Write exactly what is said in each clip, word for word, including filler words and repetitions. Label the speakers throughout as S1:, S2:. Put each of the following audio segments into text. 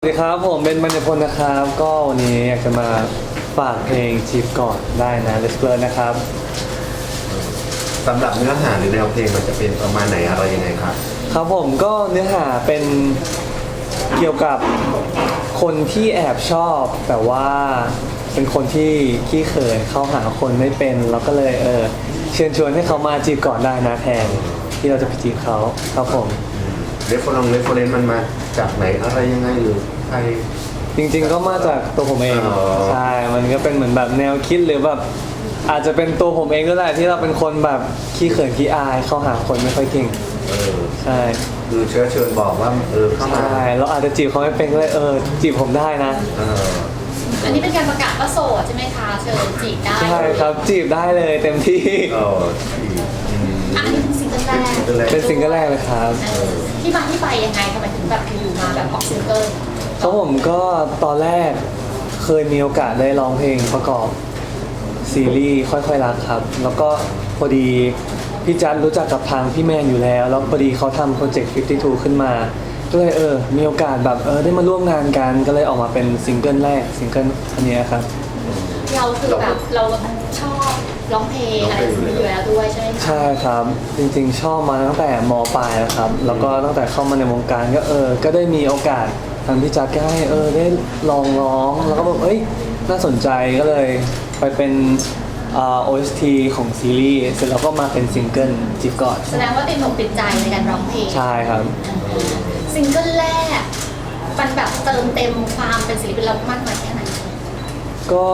S1: สวัสดีครับผมเป็นบรรยพลนะครับก็วันนี้อยากจะมาฝากเพลงจีบก่อนได้นะ Let's Learn นะครับ
S2: สำหรับเนื้อหาหรือแนวเพลงมันจะเป็นประมาณไหนอะไรยังไงครับ
S1: ครับผมก็เนื้อหาเป็นเกี่ยวกับคนที่แอบชอบแต่ว่าเป็นคนที่ขี้เขินเข้าหาคนไม่เป็นเราก็เลยเออเชิญชวนให้เขามาจีบก่อนได้นะแทนที่เราจะไปจีบเขาครับผม
S2: เรฟเฟอร์เรฟเฟอร์เรนซ์มันมาจากไหนอะไรยังไงหรือใคร
S1: จริงๆก็มาจากตัวผมเองใช่มันก็เป็นเหมือนแบบแนวคิดหรือแบบอาจจะเป็นตัวผมเองก็ได้ที่เราเป็นคนแบบขี้เขินขี้อายเข้าหาคนไม่ค่อยเก่ง
S2: เออ
S1: ใช่
S2: คือเชื้อเชิญบอกว่าเออเข้ามา
S1: ใช่เราอาจจะจีบเขาไม่เป็นก็เลยเออจีบผมได้นะ
S2: เออ
S3: อันนี้เป็นการประกาศว่าโสดใช่ไหมคะเชิญจีบได้
S1: ใช่ครับจีบได้เลยเต็มที่
S2: เออ
S3: อันนี้เป็นซิงเกิลแรก
S1: เป็นซิงเกิลแรกเลยครับ
S3: ที่มาที่ไปยังไงทำไมถึงแบบอยู่มาแบบออกซิงเกิล
S1: เขาผมก็ตอนแรกเคยมีโอกาสได้ร้องเพลงประกอบซีรีส์ค่อยๆรักครับแล้วก็พอดีพี่จัดรู้จักกับทางพี่แมนอยู่แล้วแล้วพอดีเขาทำโปรเจกต์ห้าสิบสองขึ้นมาก็เลยเออมีโอกาสแบบเออได้มาร่วมงานกันก็เลยออกมาเป็นซิงเกิลแรกซิงเกิลอันนี้ครับ
S3: เราคือแบบเราชอบร้องเพลงอะไรอยู่แล้วด้วยใช่ไหม
S1: ใช่ครับจริงๆชอบมาตั้งแต่ม.ปลายแล้วครับแล้วก็ตั้งแต่เข้ามาในวงการก็เออก็ได้มีโอกาสทางพี่จัดก็ให้เออได้ลองร้องแล้วก็แบบเอ้ยน่าสนใจก็เลยไปเป็นอ่า โอ เอส ที ของซีรีส์เสร็จแล้วก็มาเป็นซิงเกิลจีบก่อน
S3: แสดงว่าติดอกติดใจในการร้องเพลง
S1: ใช่ครับ
S3: ซิงเกิลแรกมันแบบเติมเต็มความเป็นศิลปินเรามากน้อยแค่ไหน
S1: ก็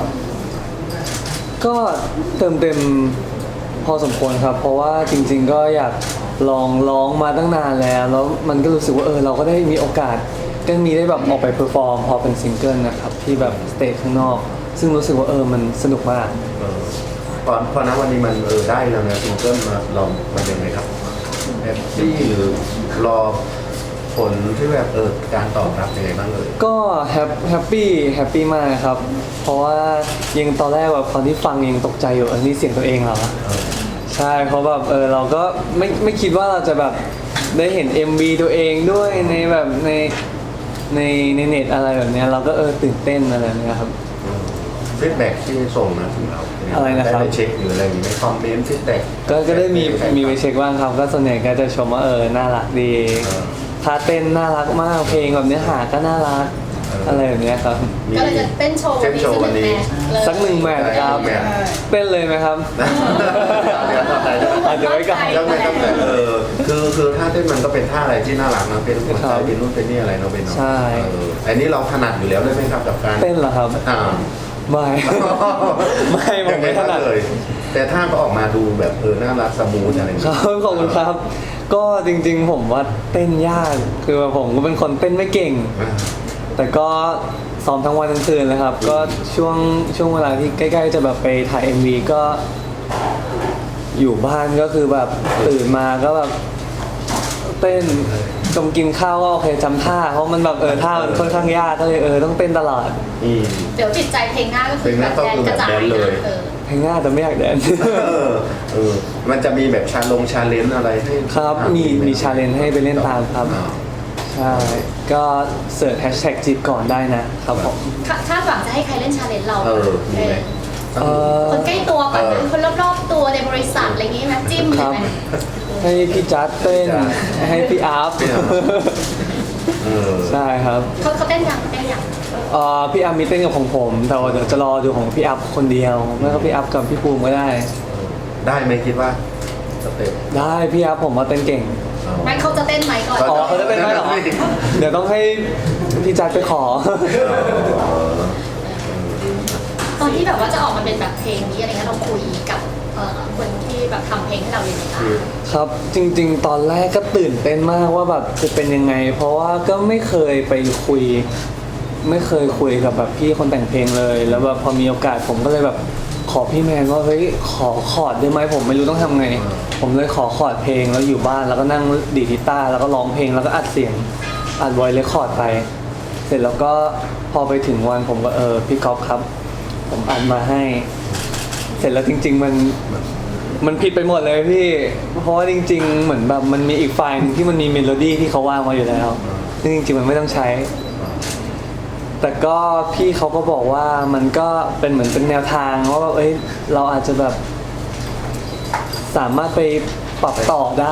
S1: ก็เติมเต็มพอสมควรครับเพราะว่าจริงๆก็อยากลองร้องมาตั้งนานแล้วแล้วมันก็รู้สึกว่าเออเราก็ได้มีโอกาสก็มีได้แบบออกไปเพอร์ฟอร์มพอเป็นซิงเกิลนะครับที่แบบสเตจข้างนอกซึ่งรู้สึกว่าเออมันสนุกมาก
S2: ตอนพอนะวันนี้มันเออได้แล้วนะซิงเกิลมาลองมันยังไงครับแฮปปี้หรือรอผลที่แบบเออการตอบรับยังไงบ้างเลย
S1: ก็แฮปแฮปปี้แฮปปี้มากครับเพราะว่ายังตอนแรกแบบตอนที่ฟังยังตกใจอยู่เออนี่เสียงตัวเองเหรอใช่เพราะแบบเออเราก็ไม่ไม่คิดว่าเราจะแบบได้เห็น เอ็ม วี ตัวเองด้วยในแบบในในในเน็ตอะไรแบบนี้เราก็เออตื่นเต้นอะไรแบบนี้ครับ
S2: ฟีดแบ็กที่ส่งมาถึงเรา
S1: อะไรนะครับ
S2: ได้เช็คหรืออะไรอย่างนี้คอมเมนต์ฟีดแบ็ก
S1: ก็ก็ได้มีมีไปเช็คบ้างครับก็ส่วนใหญ่ก็จะชมว่าเออน่ารักดีท่าเต้นน่ารักมากเพลงแบบเนื้อหาก็น่ารักอะไรแบบนี้ครับ
S3: ก็เลยจะเต้นโชว์วันนี้
S1: สักหนึ่งแมทครับเต้นเลยไหมครับอาจจะไว้ก่อน
S2: ต้องไม่ต้องแต่เออคือคือท่าเต้นมันก็เป็นท่าอะไรที่น่ารักนะเป็นหัวใจเป็นนู่นเป็นนี่อะไรเนาะเป็นเนาะ
S1: ใช่
S2: อันนี้เราถนัดอยู่แล้วได้ไหมครับกับการ
S1: เต้นเหรอครับ
S2: อ่า
S1: ไม่ไม่ผมไม่ถนัด
S2: เลยแต่ท่าก็ออกมาดูแบบเออน่ารักสมูทอะไรอย่าง
S1: เงี้ยขอบคุณครับก็จริงๆผมว่าเต้นยากคือผมก็เป็นคนเต้นไม่เก่งแต่ก็ซ้อมทั้งวันทั้งคืนเลยครับก็ช่วงช่วงเวลาที่ใกล้ๆจะแบบไปถ่าย เอ็ม วี ก็อยู่บ้านก็คือแบบตื่นมาก็แบบเต้นจมกินข้าวก็โอเคจำท่าเพราะมันแบบเออท่ามันค่อนข้างยากก็เลยเออต้องเต้นตลอด
S3: เดี๋ยวติดใจเพลงหน้าก็คือแบบแดนกระจาย
S2: เลย
S1: เพลงหน้าแต่ไม่อยากแดน
S2: เออมันจะมีแบบชาลงชาเลนจ์อะไรให้
S1: ครับมีมีชาเลนจ์ให้ไปเล่นตามครับใช่ก็เสิร์ชแฮชแท็กจีบก่อนได้นะครับผม
S3: คาดหวังจะให้ใครเล่นชาเลนจ์เรา
S2: เออมีไหม
S3: คนใกล้ตัวก่อนคนรอบๆตัวในบริษัทอะไรอย่างงี้ไหมจิ้มใช่ไหม
S1: ให้พี่จัดเต้นให้พี่อัพใช่ครับ
S3: เขาเขาเต้นยังเต้นยัง
S1: อ่าพี่อัพมีเต้นกับของผมแต่ว่าเดี๋ยวจะรอดูของพี่อัพคนเดียวไม่ก็พี่อัพกับพี่ภูมิก็ได้
S2: ได้ไหมคิดว่าสเต็ป
S1: ได้พี่อัพผมว่าเต้นเก่ง
S3: ไม่เขาจะเต้นไหมก่อน
S1: อ๋อเขาจะเต้นไหมหรอเดี๋ยวต้องให้พี่จัดไปขอ
S3: ตอนที่แบบว่าจะออกมาเป็นแบบเพลงนี้อะไรเงี้ยเราคุยกับคนที่แบบทำเพลงให้เราอย่างไร
S1: ครับจริงๆตอนแรกก็ตื่นเต้นมากว่าแบบจะเป็นยังไงเพราะว่าก็ไม่เคยไปคุยไม่เคยคุยกับแบบพี่คนแต่งเพลงเลยแล้วแบบพอมีโอกาสผมก็เลยแบบขอพี่แมนว่าเฮ้ยขอคอร์ดได้ไหมผมไม่รู้ต้องทำไงผมเลยขอคอร์ดเพลงแล้วอยู่บ้านแล้วก็นั่งดีดกีตาร์แล้วก็ร้องเพลงแล้วก็อัดเสียงอัดไวเลคคอร์ดไปเสร็จแล้วก็พอไปถึงวันผมก็เออพี่ก๊อฟครับผมอัดมาให้เสร็จแล้วจริงๆมันมันผิดไปหมดเลยพี่เพราะว่าจริงๆเหมือนแบบมันมีอีกไฟล์นึงที่มันมีเมโลดี้ที่เขาวางมาอยู่แล้วซึ่งจริงๆมันไม่ต้องใช้แต่ก็พี่เขาก็บอกว่ามันก็เป็นเหมือนเป็นแนวทางว่าแบบเอ้ยเราอาจจะแบบสามารถไปปรับต่อได้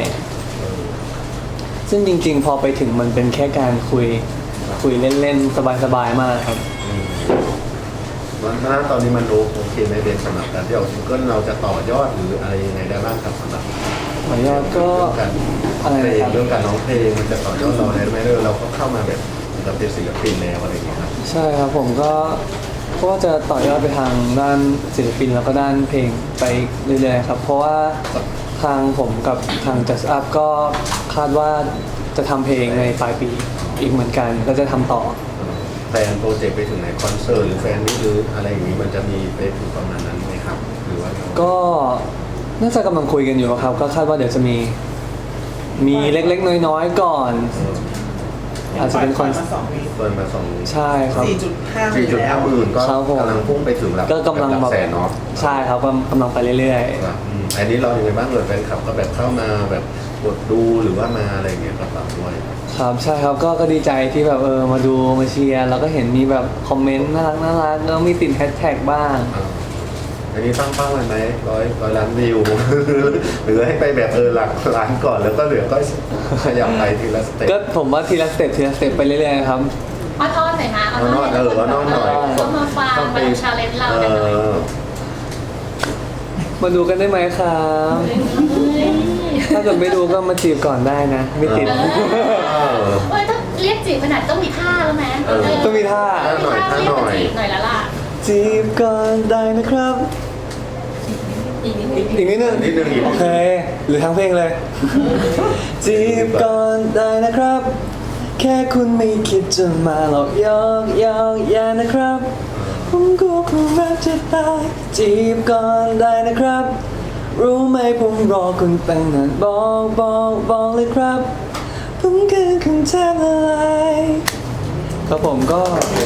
S1: ซึ่งจริงๆ พอไปถึงมันเป็นแค่การคุยคุยเล่นๆ สบายๆ มากครับ
S2: วันนั้นตอนนี้มันโอเคในเดนสำหรับการที่เอาซิงเกิลเราจะต่อยอดหรืออะไรยังไงได้บ้างครับสำหรับ
S1: ต่อยอดก็
S2: เรื่องการ
S1: อะไร
S2: เพล
S1: นะ
S2: ง
S1: ครับ
S2: เรื่องการร้องเพลงมันจะต่อยอดเราได้ไหมเออเราก็เข้ามาแบบเราเป็นศิลปินแล้วอะไรอย่างเงี้ยครับ
S1: ใช่ครับผมก็ก็จะต่อยอดไปทางด้านศิลปินแล้วก็ด้านเพลงไปเรื่อยๆครับ เพราะว่าทางผมกับทาง Just Up ก็คาดว่าจะทำเพลงในปลายปีอีกเหมือนกันก็จะทำต่อ
S2: แฟนโปรเจกต์ไปถึงไหนคอนเสิร์ตหรือแฟนนี่หรืออะไรอย่างนี้มันจะมีไปถึงประมาณนั้นไหมครับ หรือว่า
S1: ก็น่าจะกำลังคุยกันอยู่ครับ ก็คาดว่าเดี๋ยวจะมีมีเล็กๆ น้อยๆ ก่อน อาจจะเป็นคอน
S4: มาสองวี
S2: เปิดมาสอง
S1: ใช่ครับ
S4: สี่จุดห้า
S2: สี่จุดห้าหมื่นก็
S1: ครับผม
S2: กำลังพุ่งไปถึงหลัก
S1: ก็กำลัง
S2: หลั
S1: แบบ
S2: แสนเนาะ
S1: ใช่ครับก็กำลังไปเรื่อยๆ
S2: ครับอืมอันนี้เรายังไงบ้างเลยแฟนคลับก็แบบเข้ามาแบบกดดูหรือว่ามาอะไรอย่างเงี้ยก็ฝากด้วย
S1: ครับใช่ครับก็ก็ดีใจที่แบบเออมาดูมาเชียร์แล้วก็เห็นมีแบบคอมเมนต์น่ารักน่ารักแล้วมีติดแฮชแท็กบ้าง
S2: อ่าอันนี้ตั้งเป้าไว้ไหมร้อยร้อยล้านวิว หรือให้ไปแบบเออหลักล้านก่อนแล้วก็เหลือก็ขยับไปทีละสเต็ป
S1: ก็ผมว่าทีละสเต็ปทีละสเต็ปไปเรื่อยๆครับ
S3: อ้อนๆหน่อยนะ
S2: เอานอนเออเอานอนหน่อย
S3: ต้องมาฟังมาชาเลนจ์เรากันหน่อย
S2: เออ
S1: มาดูกันได้ไหมครับ ถ้าเกิดไม่ดูก็มาจีบก่อนได้นะ ไม่ติด
S3: เออ
S2: เออ
S3: เอ้ยต้องเรียกจีบขนาดต้องมีท่าแล้วไหม
S2: เออ
S1: ต้องมีท่า
S2: หน่อยท่าหน่อย
S3: เรีกจีบหน่อยแล้วล่ะ
S1: จีบก่อนได้นะครับ
S3: อีกนิดนึง
S1: อีกนิดนึง
S2: นิดนึงอีก
S1: โอเค หรือทั้งเพลงเลย จีบก่อนได้นะครับ แค่คุณไม่คิดจะมาหลอกยอกยอกแย่นะครับ ผมก็คงรักจะตายจีบก่อนได้นะครับ รู้ไหมผมรอคุณตั้งนานบอกบอกบอกเลยครับ ผมคือคุณแทบละลายครับผมก็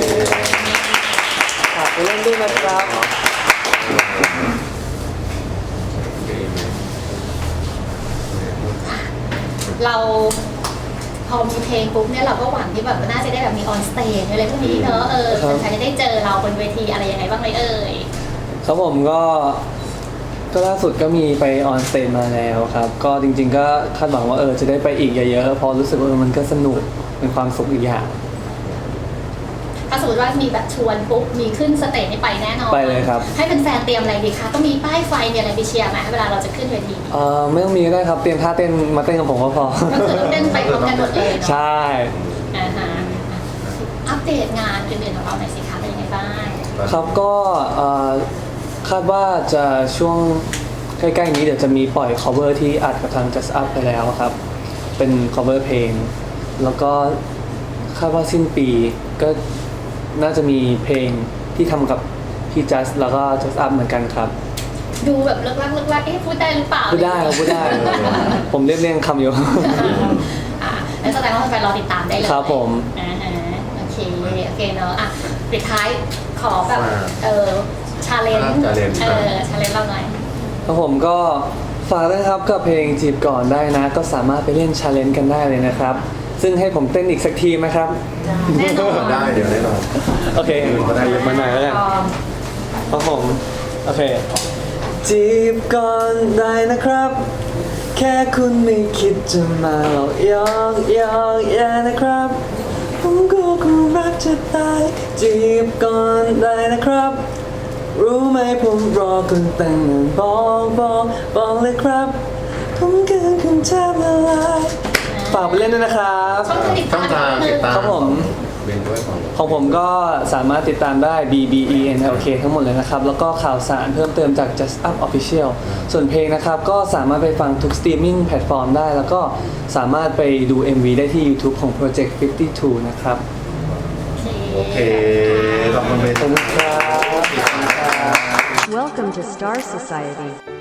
S1: ฝากไปเล่นด้วยนะครับ
S3: เราพอมีเพลงปุ๊บเนี่ยเราก็หวังที่แบบน่าจะได้แบบมีออนสเตจอะไรพวกนี้เนอะเออ
S1: ครับ
S3: แฟนๆจะได้เจอเราบนเวทีอะไรยังไงบ้างไหมเอ่ย
S1: ครับผมก็ก็ล่าสุดก็มีไปออนสเตจมาแล้วครับ ก็จริงๆก็คาดหวังว่าเออจะได้ไปอีกเยอะๆเพอรู้สึกว่าเออมันก็สนุกเป็นความสุขอีกอย่าง
S3: ถ้าสมมติว่ามีแบบชวนปุ๊บมีขึ้นสเตจนี่ไปแน่นอน
S1: ไปเลยครับ
S3: ให้เป็นแฟนๆเตรียมอะไรดีคะต้องมีป้ายไฟมีอะไรไปเชียร์ไหมเวลาเราจะขึ้นเวที
S1: เออไม่ต้องมีก็ได้ครับเตรียมท่าเต้นมาเต้นกับผมก็พอ
S3: ก็คือเต้นไปพร้อมกันหมดเลยเนาะ
S1: ใช่
S3: อ่าฮะอัปเดตงานอื่นๆของเราหน่อยสิคะเป็นยังไงบ้าง
S1: ครับก็เอ่อคาดว่าจะช่วงใกล้ๆนี้เดี๋ยวจะมีปล่อย cover ที่อัดกับทาง Just Up ไปแล้วครับ เป็น cover เพลง แล้วก็คาดว่าสิ้นปีก็น่าจะมีเพลงที่ทำกับพี่ Just แล้วก็ Just Up เหมือนกันครับ
S3: ดูแบบเลิกลักเลิกลักเอ๊ะพูดได้หรือเปล่า
S1: พูดได้ครับพูดได้ ผมเรียบเรียงคำอยู่
S3: อ่าแล้วแสดงว่าแฟนๆรอติดตามได้เลย
S1: ครับผม
S3: อ่าฮะโอเคโอเคเนาะอ่ะปิดท้ายขอแบบ
S2: ว่า
S3: เออชาเลนจ์
S2: challenge
S3: เออชาเลนจ์เราหน่อย
S1: ครับผมก็ฝากด้วยนะครับกับเพลงจีบก่อนได้นะ ก็สามารถไปเล่นชาเลนจ์กันได้เลยนะครับ ซึ่งให้ผมเต้นอีกสักทีไหมครับ
S3: แน่นอน
S2: ได้เดี๋ยวแน่นอน
S1: โอเค
S2: ก็ได้
S1: มาหน่อยแล้วกันครับผม โอเค จีบก่อนได้นะครับ แค่คุณไม่คิดจะมาหลอกยอกยอกแย่นะครับ ผมก็คงรักจะตาย จีบก่อนได้นะครับ รู้ไหมผมรอคุณตั้งนานบอกบอกบอกเลยครับ ผมเกินคุณแทบละลายฝากไปเล่นด้วยนะครับ
S3: ช่องทางติด
S2: ช่อง
S3: ตาม
S2: ทางติดตาม
S1: ครับผม
S2: เรียนด้วยของ
S1: ของผมก็สามารถติดตามได้ B B E N L K ทั้งหมดเลยนะครับ แล้วก็ข่าวสารเพิ่มเติมจาก Just Up Official ส่วนเพลงนะครับก็สามารถไปฟังทุกสตรีมมิ่งแพลตฟอร์มได้ แล้วก็สามารถไปดู เอ็ม วี ได้ที่ YouTube ของ Project ห้าสิบสอง นะครับ
S2: โอเคขอบคุณเบส
S1: ขอบคุณครับ
S5: Welcome to Star Society.